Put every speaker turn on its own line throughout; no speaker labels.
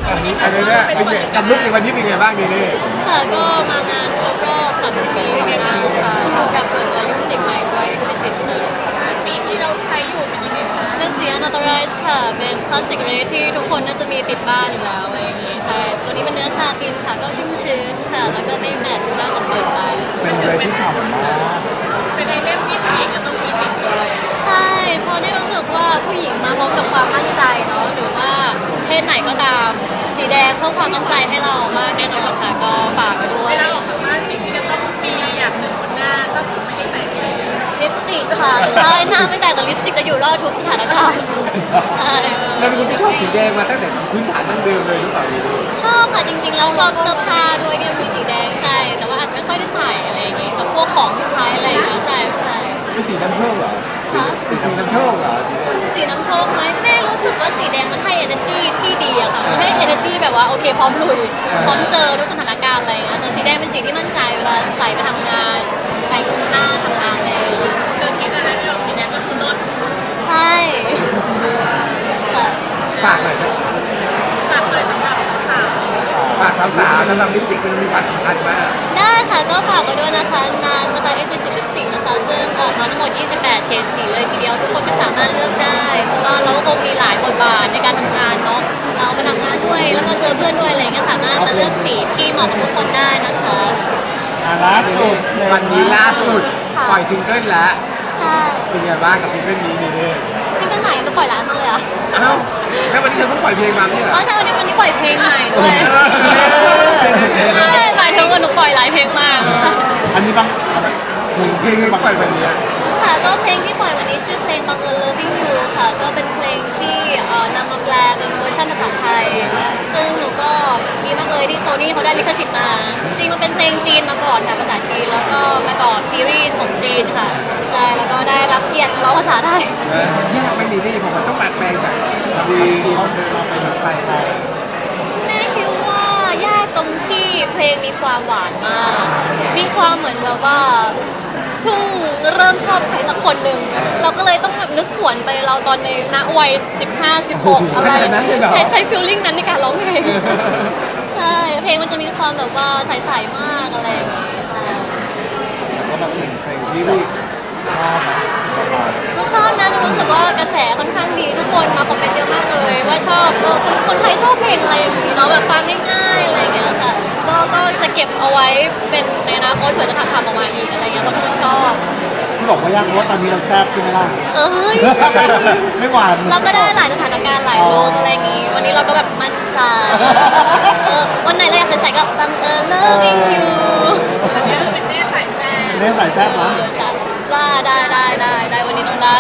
อันนี้เนี่ยเป็นไงกับลุกในวันนี้เป็นไงบ้างนี่
ค่ะก็มางานครบรอบ30 ปีของนางค่ะพร้อมกับเปิดตัวลิปสติกใหม่ด้วยที่สิบสีที่เราใช้อยู่เป็นยังไงคะเป็นสี Unauthorized ค่ะเป็นพลาสติกเรที่ทุกคนน่าจะมีติดบ้านอยู่แล้วอะไรอย่างงี้ค่ะตัวนี้เป็นเนื้อซาตินค่ะก็ชุ่มชื้นค่ะแล้วก็ไม่แมตต์น่าจะเปิดไป
เป็นเลยที่ฉ่ำมาก
เป็นในเล่มที่ผู้หญิงจะต้องมีติดตัวใช่เพราะได้รู้สึกว่าผู้หญิงมาพร้อมกับความมั่นใจเนาะหรือว่าเพศไหนก็ตามสีแดงเพิ่มความมั่นใจให้เรามากแน่นอนค่ะก็ฝากไปด้วยเวลาออกจากบ้านสิ่งที่จะต้องมีอย่างหนึ่งบนหน้าถ้าสมมติไม่ได้แต่งลิปสติกค่ะใช่หน้าไม่แต่งแต่ลิปสติกจะอยู่รอดทุกสถานการณ์ใช่
เราเป็นคนที่ชอบสีแดงมาตั้งแต่พื้นฐานดั้งเดิมเลยหรือเปล่านี่
ชอบค่ะจริงๆแล้วชอบเสื้อผ้าด้วยเนี่ยมีสีแดงใช่แต่ว่าอาจจะไม่ค่อยได้ใส่อะไรอย่างงี้กับพวกของที่ใช้อะไรอย่างเงี้ยใช่
เป็นสีน้ำโชคเหรอเป็นสีน้ำโชคเหรอสีแดง
สีน้ำโชคไหมแม่รู้สึกว่าสีแดงมันให้ energy ที่ดีอะค่ะให้ energy แบบว่าโอเคพร้อมลุยพร้อมเจอทุกสถานการณ์อะไรอย่างเงี้ยแต่สีแดงเป็นสีที่มั่นใจเวลาใส่ไปทำงานไปหน้าทำงานอะไรอย่างเงี้ยเจอคิดอะไรไม่ออกสีแดงก็คือรถใช่ค่ะ
ฝากหน่อยครับ
ฝากเลยสำหรับสาว
ฝากสาวๆสำหรับลิปสติกมันมีความสำคัญมาก
ได้ค่ะก็ฝากไว้ด้วยนะคะนาสไตล์เอ็กซ์คลูซีฟลิปสติกนะคะซึ่งออกมาทั้งหมด28เฉดสีเลยทีเดียวทุกคนก็สามารถเลือกได้เพราะว่าเราก็คงมีหลายบทบาทในการทำงานเนาะเราไปทำงานด้วยแล้วก็เจอเพื่อนด้วยอะไรเงี้ยสามารถมาเลือกสีที่เหมาะกับทุกคนได้นะคะ
ล่าสุด
วันนี้ล่าสุดปล่อยซิงเกิลแล้ว
ใช่
เป็นไงบ้างกับซิงเกิลนี้นี่
ซิงเกิลไหนก็ปล่อยร้านมาเลยอะ
เอ้าแล้ววันนี้เธอเพิ่งปล่อยเพลงมาไม่ใช่เหรอ
ใช่วันนี้ปล่อยเพลงใหม่ด้วยใช่หมายถึงว่าหนูปล่อยหลายเพลงมาก
อันนี้บ้าง
เพลงที่ปล่อยวันนี้
ค่ะก็เพลงที่ปล่อยวันนี้ชื่อเพลงบังเอิญ Loving You ค่ะก็เป็นเพลงที่นำมาแปลเป็นเวอร์ชันภาษาไทยซึ่งหนูก็ดีมากเลยที่โซนี่เขาได้ลิขสิทธิ์มาจริงๆมันเป็นเพลงจีนมาก่อนค่ะภาษาจีนแล้วก็มาก่อนซีรีส์ของจีนค่ะใช่แล้วก็ได้รับเกียรติร้องภาษาไทย
ยากไหมนี่ผมมันต้องแปลงจากจีนมาเป็นไทย
แม่คิดว่ายากตรงที่เพลงมีความหวานมากมีความเหมือนแบบว่าเพิ่งเริ่มชอบใครสักคนหนึ่งเราก็เลยต้องแบบนึกหวนไปเราตอนในณวัย15-16อะไรใช้ฟีลลิ่งนั้นในการร้องเพลงใช่เพลงมันจะมีความแบบว่าใสๆมากอะไรอย่างเงี้ยใช่
แล้วก็แบบเพลงที่ชอบนะ
ก็ชอบนะหนูรู้สึกว่ากระแสค่อนข้างดีทุกคนมาคอมเมนต์เยอะมากเลยว่าชอบคนไทยชอบเพลงอะไรอย่างงี้เนาะแบบฟังง่ายๆอะไรอย่างเงี้ยค่ะก็จะเก็บเอาไว้เป็นในอนาคตเผื่อจะทำออกมาอีกอะไรเงี้ยเพราะทุกคนชอบ
ที่บอกว่ายากเพราะว่าตอนนี้เราแซ่บใช่ไหมล่ะไม่หวาน
เราก็ได้หลายสถานการณ์หลายโลกอะไรอย่างงี้วันนี้เราก็แบบมั่นใจวันไหนเราอยากใส่ก็บังเอิญ loving you อันนี้เป็นเน่ใส่แซ่บ
เน่ใส่แซ่บนะ
ว่าได้วันนี้ต้องได้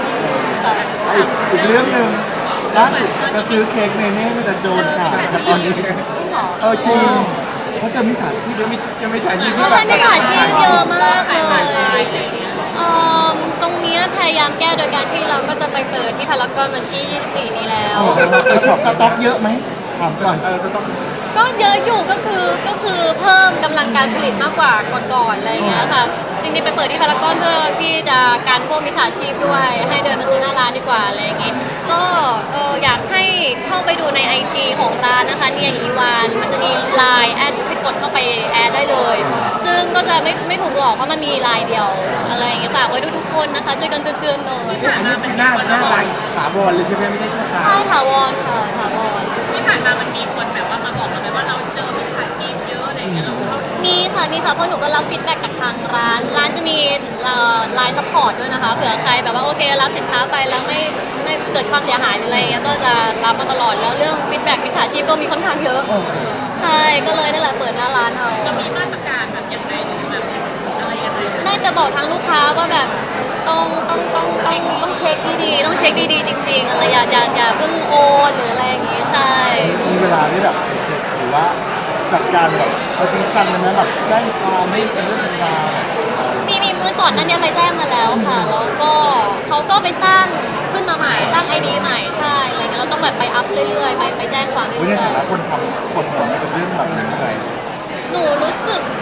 อีกเรื่องหนึ่งล่าสุดจะซื้อเค้กเนเน่มาจากโจรค่ะแต่ตอนนี้
จริง
เขาจะมิจฉาชีพ
ยังไม่ใช่ชีพ
เขาใช้มิจฉาชีพเยอะมากเลยตรงนี้พยายามแก้โดยการที่เราก็จะไปเปิดที่พารากอนวันที่24นี้แล้ว
ช็อปสต็อกเยอะไหมถามก่อน
สต็อก
ก็เยอะอยู่ก็คือเพิ่มกำลังการผลิตมากกว่าก่อนๆอะไรอย่างเงี้ยค่ะจริงๆไปเปิดที่พารากอนเพื่อที่จะการพวกมิจฉาชีพด้วยให้เดินมาซื้อหน้าร้านดีกว่าอะไรอย่างเงี้ยก็อยากให้เข้าไปดูใน IG ของร้านนะคะเนี่ยอีวานมันจะมีไลน์แอดให้กดเข้าไปแอดได้เลยซึ่งก็จะไม่ถูกหลอกเพราะมันมีไลน์เดียวอะไรอย่างเงี้ยฝากไว้ทุกคนนะคะช่วยกันเตือนๆหน่อย
อันนี้เป็นหน้าร้านถาวรเลยใช่ไหมไม่ใช่ชั่วคราว
ใช่ถาวรค่ะถาวร
ที่ผ่านมามันมีคนแบบว่ามาบอกเราไหมว่าเราเจอมิจฉาชีพเยอะอะไรอย่างเงี้ยเรา
มีค่ะเพราะหนูก็รับฟีดแบ็กจากทางร้านจะมีไลน์ซัพพอร์ตด้วยนะคะเผื่อใครแบบว่าโอเครับสินค้าไปแล้วไม่เกิดความเสียหายหรืออะไรเงี้ยก็จะรับมาตลอดแล้วเรื่องฟีดแบ็กมิจฉาชีพก็มีค่อนข้างเยอะใช่ก็เลยนั่นแหละเปิดหน้าร้านเอา
จะมีมาตรการแบบยังไงหรือแบบอะไรยังไง
น่าจะบอกทางลูกค้าว่าแบบต้องเช็คดีๆต้องเช็คดีๆจริงๆอะไรอย่าเพิ่งโอนหรืออะไรอย่างงี้ใช่
มีเวลาที่แบบไปเช็คหรือว่าจัดการแบบเอาจริงจังเลยนะแบบแจ้งความไม่เป็นเรื่องเป็นราว
มีเมื่อก่อนนั้นเนี่ยไปแจ้งมาแล้วค่ะแล้วก็เขาก็ไปสร้างขึ้นมาใหม่สร้าง ID ใหม่ใช่อะไรเงี้ยเราต้องแบบไปอัพเรื่อยๆไปแจ้งความเรื่อยๆ
ในฐานะคนทำคนหัวไม่เป็นเรื่องแบบนั้นอะไร
หนูรู้สึก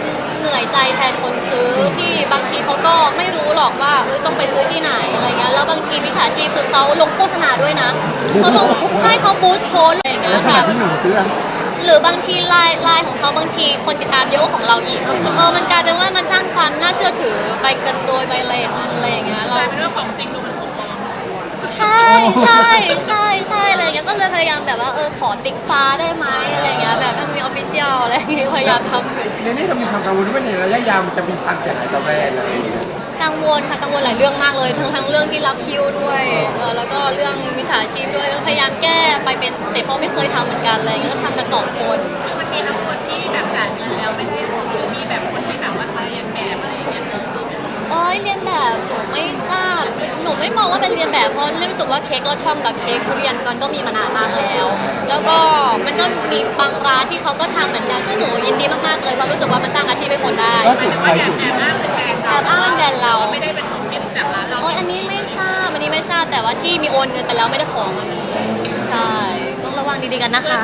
เหนื่อยใจแทนคนซื้อที่บางทีเขาก็ไม่รู้หรอกว่าต้องไปซื้อที่ไหนอะไรเงี้ยแล้วบางทีมิจฉาชีพคือเขาลงโฆษณาด้วยนะเขาลงใช่เขาบูสต์โพสอะไรอย่างเงี้
ใน
ย
ขณะ
ค่ะ
ที่หนูซื้ออะ
หรือบางทีไลน์ของเขาบางทีคนติดตามเยอะกว่าของเราอีกมันกลายเป็นว่ามันสร้างความน่าเชื่อถือไปกันโดยไปอะไรอย่างนั้นอะไรอย่างเงี้ย
ก
เรา
ลายเป็นเรื่องของจริงดูมันถูกต้อง
ใช่ใช่ใช่ใช่อะไรอย่างเงี้ยก็เลยพยายามแบบว่าขอติ๊กฟ้าได้ไหมอะไรอย่างเงี้ยแบบมันมีออฟฟิเชียลอะไรอย่างเงี้ยพยายามทำอยู่
ในนี้เรามีความกังวลว่าในระยะยาวมันจะมีความเสียหายต่อแบรนด์อะไรอย่างเงี้ย
กังวลค่ะกังวลหลายเรื่องมากเลยทั้งเรื่องที่รับคิวด้วยแล้วก็เรื่องมิจฉาชีพด้วยก็พยายามแก้ไปเป็นสเต็ปเพราะไม่เคยทำเหมือนกันอะไรอย่างเงี้ยก็ทำกันสองคน
คือมันมีทั้งคนที่แบบจ่ายเงินแล้วไม่ได้ส่งหรือมีแบบคนที่แบบว่าทายอย่างแบบอะไรอย่างเงี้ยเจอที่แบบ
เรียนแบบหนูไม่ทราบหนูไม่มองว่าเป็นเรียนแบบเพราะรู้สึกว่าเค้กลอดช่องกับเค้กทุเรียนก็มีมานานมากแล้ว แล้วก็มันก็มีบางร้านที่เขาก็ทำเหมือนกันซึ่งหนูยินดีมากๆเลยเพราะรู้สึกว่ามันสร้างอาชีพให้คนได้
ก็สุด
แต่
ใค
ว่าร แอ
สุ
บ
ด
แอบอ้างเป็นแบรนด์
แอบอ้างเป็นแบรนด์เรา
ไม่ได้เป็นของที่จากร้านเรา
อันนี้ไม่ทราบแต่ว่าที่มีโอนเงินไปแล้วไม่ได้ของมันมีใช่ต้องระวังดีๆกันนะคะ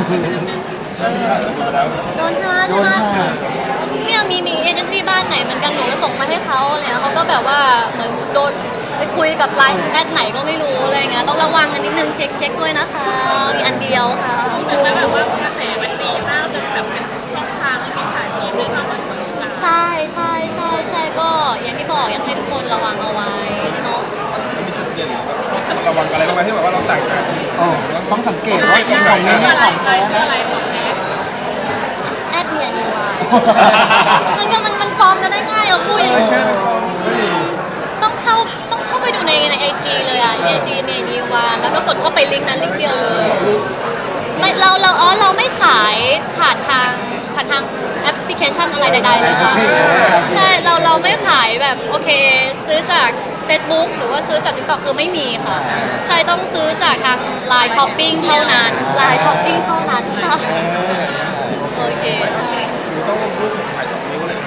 โดนใช่ไหม
โดนค่ะ
เนี่ยมีเอเจนซี่บ้านไหนเหมือนกันหนูก็ส่งมาให้เขาเนี่ยเขาก็แบบว่าเหมือนโดนไปคุยกับไลน์แอดไหนก็ไม่รู้อะไรเงี้ยต้องระวังกันนิดนึงเช็คด้วยนะคะมีอันเดียวค่ะ
รู้สึกว่าแบบว่ากระแสมันดีมากจนแบบเป็นช่องทางให้มิจฉาชีพได้เข้ามาฉวยโอกาส
ใช่ก็อย่างที่บอกอยากให้ทุกคนระวังเอาไว้เนาะ
มีจุดเด่นระวังอะไรบ้างไหมที่แบบว่าเราแตกต่าง
ต้องสังเกตว่าของนี้
ชื่อ
เนี่ย
อะไร
ของ
ใคร
แท้
ชื่อ
นะ
อะไรของแท้
แอดเนียนวายมันฟ้องกันได้ง่ายอ่ะพูดอย่าง
ใช่
นี้
ก็ดี
ต้องเข้าไปดูในไอจีเลยอ่ะไอจีเนนีวานแล้วก็กดเข้าไปลิงก์นั้นลิงก์เดียวเลยไม่เราไม่ขายผ่านทางแอปพลิเคชันอะไรใดๆเลยค่ะใช่เราไม่ขายแบบโอเค ซื้อจาก Facebook หรือว่าซื้อจาก TikTok คือไม่มีค่ะ ใช่ต้องซื้อจากทาง Line Shopping เท่านั้น Line Shopping เท่านั้นค่ะโอเคใช่
คือต้องรูปถ่าย2 นิ้วเลย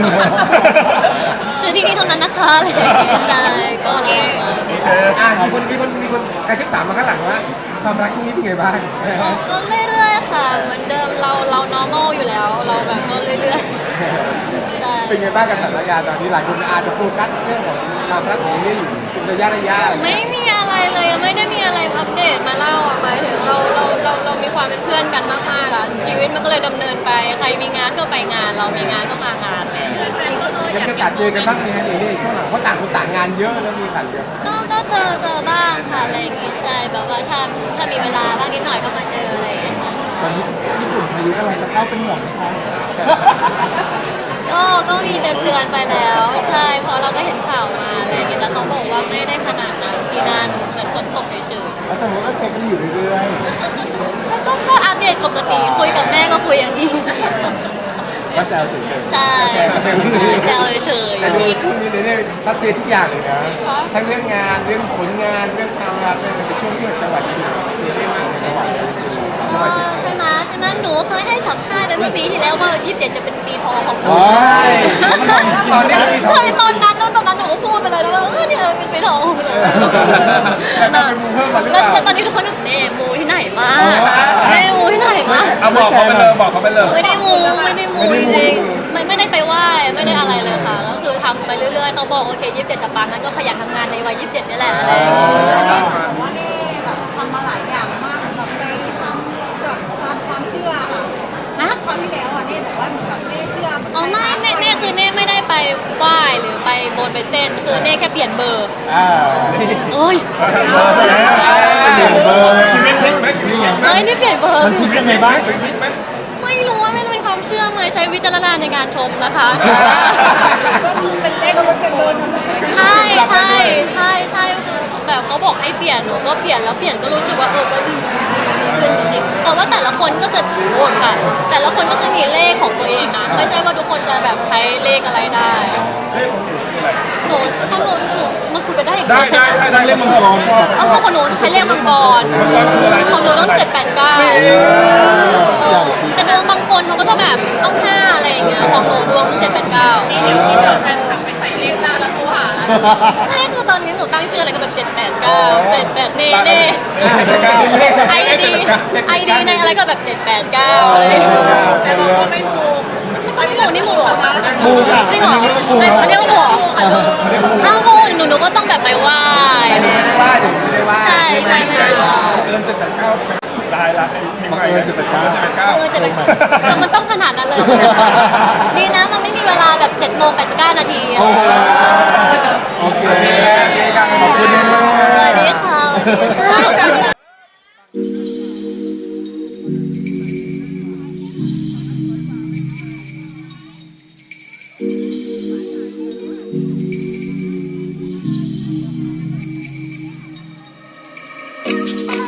ซื้อที่นี่เท่านั้นนะคะอะไรอย่างเงี้ยใช่ก็ระวัง
โอเค
มีคนกระทิบถามมาข้างหลังว่าความรักคู่นี้เป็นไงบ้าง
ก็เรื่อยๆค่ะเหมือนเดิมเรา normal อยู่แล้วเราแบบก็เรื่อยๆใช่
เป็นไงบ้างกับสถานการณ์ตอนนี้หลายคนอาจจะโฟกัสเรื่องของความรักของนี่อยู่เป็นระยะอะไรอย่างเงี้ย
ไม่มีอะไรเลยไม่ได้มีอะไรอัปเดตมาเล่าอ่ะหมายถึงเรามีความเป็นเพื่อนกันมากๆอ่ะชีวิตมันก็เลยดำเนินไปใครมีงานก็ไปงานเรามีงานก็มางาน
ยังมีโอกาสเจอกันบ้างไหมฮะนี่ช่วงหลังเพราะต่างคนต่างงานเยอะแล้วมีต่างเยอะ
ก็เจอบ้างค่ะอะไรอย่างงี้ใช่แบบว่าถ้ามีเวลาบ้างนิดหน่อยก็มาเจออะไรอย่างเงี้ยค่ะ
ตอนนี้ญี่ปุ่นพายุกำลังจะเข้าเป็นห่วงไหมคะ
ก็มีเตือนไปแล้วใช่เพราะเราก็เห็นข่าวมาอะไรอย่างเงี้ยแต่เขาบอกว่าไม่ได้ขนาดนั้นที่นั่นเหมือนฝนตกเฉย
แล้วแสดงว่าก็เช็คกันอยู่เรื่อย
ๆก็อัปเดตปกติคุยกับแม่ก็คุยอย่างนี้
ๆก็แซวเฉยๆ
ใช่แซวเฉย
แต่ดูคู่นี้เนี่ยซัดเททุกอย่างเลยนะทั้งเรื่องงานเรื่องผลงานเรื่องความรักเนี่ยเป็นช่วงที่จังหวัดชีวิตได้มากเลยจังหวัดชีวิต
ใช่ไหมหนูเคยให้สัมภาษณ์ไปเมื่อปีที่แล้วว่า27จะเป็นปีทองของหนู
ใช่ตอนนี้ก็มีทอง
เคยตอนนั้นหนูก็พูดไปเลยนะว่าเนี่ยเป็นปีทองของหนู
แต่เป็นมูเพิ่มมาหรือเป
แล้ว
ล่า
ตอนนี้ทุกคนก็เน่มูที่ไหนมาเน่มูที่ไหนมา
เอาบอกเขาไปเลยบอกเขาไปเลย
ไม่ได้มูจริงๆไม่ได้ไปไหว้ไม่ได้อะไรเลยค่ะก็คือทำไปเรื่อยๆเขาบอกโอเค27จะปังงั้นก็ขยันทำงานในวัย27นี่แหละอะไรอย่างเงี้ย
แล้วนี่เหมือนกับว่านี่แบบทำมาหลายอย่างมากแบบไปทำแบบตามความเชื่อค่ะ
ฮะ
คราวที่แล้วอ่ะนี่บอกว่าเหมือนกับเน่เชื่อเหมือน
อ๋อไม่เน่คือเน่ไม่ได้ไปไหว้หรือไปบนไปเส้นคือเน่แค่เปลี่ยนเบอร์
อ่า
เอ้ย
เบอร์ไปแล้วชีวิตพลิกไหมชีวิตพลิกไหม
เอ้ยนี่เปลี่ยนเบอร์
มันคิดยังไงบ้าง
ชีวิตพลิกไหม
ไม่รู้ว่าไม่เป็นความเชื่อไหมใช้วิจารณญาณในการชมนะคะ
ก็คือเป็นเลขก็เป็นเบอร์
ใช่คือแบบเขาบอกให้เปลี่ยนหนูก็เปลี่ยนแล้วเปลี่ยนก็รู้สึกว่าก็ดีจริงๆดีขึ้นจริงๆแต่ว่าแต่ละคนก็จะโอนค่ะ แต่ละคนก็จะมีเลขของตัวเองนะไม่ใช่ว่าทุกคนจะแบบใช้เลขอะไรได้
เลขของหนูคืออะไร
หนูมันคุยกันได้อย่าง
ได้
นี้ใช่
ได้
ไหม
ได้เลขมังกรชอบ
เอาของหนูใช้เลขมังกร
มังกรคืออะไร
ของหนูต้อง789แต่ดวงบางคนเขาก็จะแบบต้อง5อะไรอย่างเงี้ยของหนูดวงคือ789
เดี๋ยวที่เจอแฟนคลับไปใส่เลขหน้าแล้วโทรหาแล้ว
ใช่คือตอนนี้หนูตั้งชื่ออะไรก็แบบ789 78เน่ไอดีในอะไรก็แบบ789อะไรอย่างเงี้ย
แต่บอกว่าไม่ถูก
ก็
อันนี้
นี่หมูเหรอ
มูค่ะ
จริงเหรอเขาเรียกว่าหมูเหรออ้าวหนูก็ต้องแบบไปไหว้
แต่หนูไม่ได้ว่าเดี๋ยวหนูไม่ได้ว่า
ใช่ใช่ใช่
เกิน789ได้ละไอ้เพลงใหม่
เกิน789
จะเป็นมันต้องขนาดนั้นเลย ดีนะมันไม่มีเวลาแบบ7 โมง 89 นาที
โอ้โหโอเค
โอเคโอเคครับ
ขอบคุณมาก
สวัสดีค่ะสวัสดีค่ะ
เ